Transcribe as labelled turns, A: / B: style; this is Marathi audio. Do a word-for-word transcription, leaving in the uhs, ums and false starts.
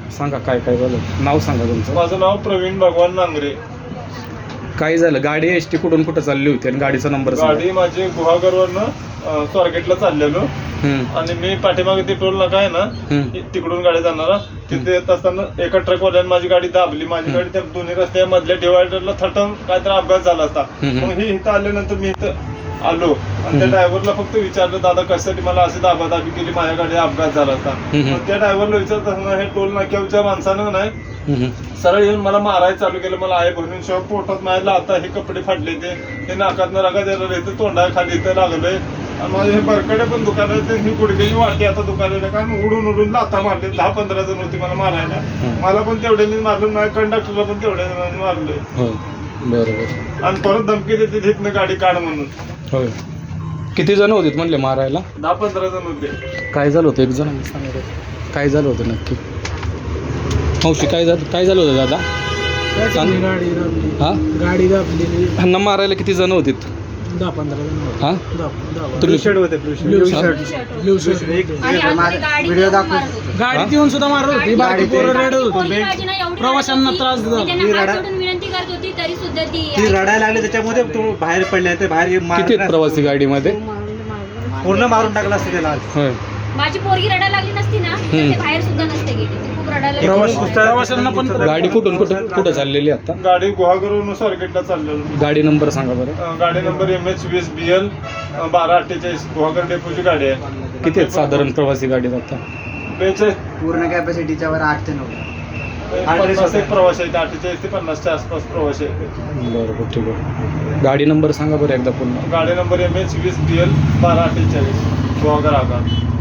A: सांगा काय काय झालं, नाव सांगा तुमचं.
B: माझं नाव प्रवीण भगवान नांगरे.
A: काय झालं, गाडी एस टी कुठून कुठं चालली होती आणि गाडीचा नंबर सांगा.
B: गाडी माझी गुहागरवरनं स्वारगेटला चाललेलो
A: हम्म,
B: आणि मी पाठीमागे ते टोल नाका आहे ना
A: हम्म,
B: तिकडून गाडी जाणारा तिथे येत असताना एका ट्रकवाल्याने माझी गाडी दाबली. माझी गाडी त्या दोन्ही रस्त्या मधल्या डिवायडरला थटून काहीतरी अपघात झाला असता.
A: हम्म.
B: मग ही इथं आल्यानंतर मी इथं आलो आणि त्या ड्रायव्हरला फक्त विचारलं, दादा कशासाठी मला अशी दाबादाबी केली, माझ्या गाडी अपघात झाला असता. मग त्या ड्रायव्हरला विचारत असताना हे टोल नाक्याच्या माणसानं नाही
A: हम्म,
B: सरळ येऊन मला मारायला चालू केलं. मला आहे भरून शिवाय पोटात मारायला, आता हे कपडे फाडले ते हे नाकातनं रगा द्यायला इथं तोंडा खाली इथं लागलंय आणि माझे हे बरकडे पण दुकान आहे, ही गुडघ्याची वाटी आता दुकानाला कारण उडून उडून लाथा मारले. दहा पंधरा जण होती मला मारायला, मला पण तेवढ्याने मारलं, माझ्या कंडक्टरला पण तेवढ्या जणांनी मारलंय.
A: हो बरोबर.
B: आणि परत धमकी देते तिथनं गाडी काढ म्हणून.
A: होय, किती जण होते म्हणले मारायला?
B: दहा पंधरा जण होते.
A: काय झालं होतं एक जण सांगा, काय झालं होतं नक्की? मावशी काय झालं, काय झालं होतं दादा?
C: गाडी दाबली,
A: हा
C: गाडी दाबलेली.
A: ह्यांना मारायला किती जण होते?
C: दहा पंधरा जण होते.
A: हा
C: दहा- दहा-
A: तुम्ही
B: होते
C: blue shirt blue shirt
D: video दाखवतो.
C: गाडीत येऊन सुद्धा मारत होती, बाकी पोरं रडत होती, प्रवाशांना त्रास देत होती.
D: विनंती करत होती तरी सुद्धा ती
E: ती रडायला लागली, त्याच्यामध्ये तो बाहेर पडले, ते बाहेर मार-
A: किती आहेत प्रवासी गाडीमध्ये?
E: पूर्ण मारून टाकला असतं त्याला.
A: होय,
D: माझी पोरगी रडायला लागली नसती ना तर ते बाहेर सुद्धा नसते गेली. ती खूप रडायला लागली.
C: प्रवाशांना पण
A: गाडी कुठून कुठं कुठं चाललेली आता?
B: गाडी गुहागरवरून स्वारगेटला चाललेलो.
A: गाडी नंबर सांगा बरं.
B: अं, गाडी नंबर एम एच वीस बी एल बारा अठ्ठेचाळीस गुहागर डेपोची गाडी आहे.
A: किती आहेत साधारण प्रवासी गाडीत आता?
B: बेचाळीस
E: पूर्ण कॅपॅसिटीच्या वर आठ ते नऊ
B: पन्नास एक प्रवास आहेत, अठ्ठेचाळीस ते पन्नासच्या आसपास प्रवासी आहेत.
A: बरोबर, ठीक आहे. गाडी नंबर सांगा बरं एकदा पुन्हा.
B: गाडी नंबर एम एच वीस बी एल बारा अठ्ठेचाळीस गुहागर आगार.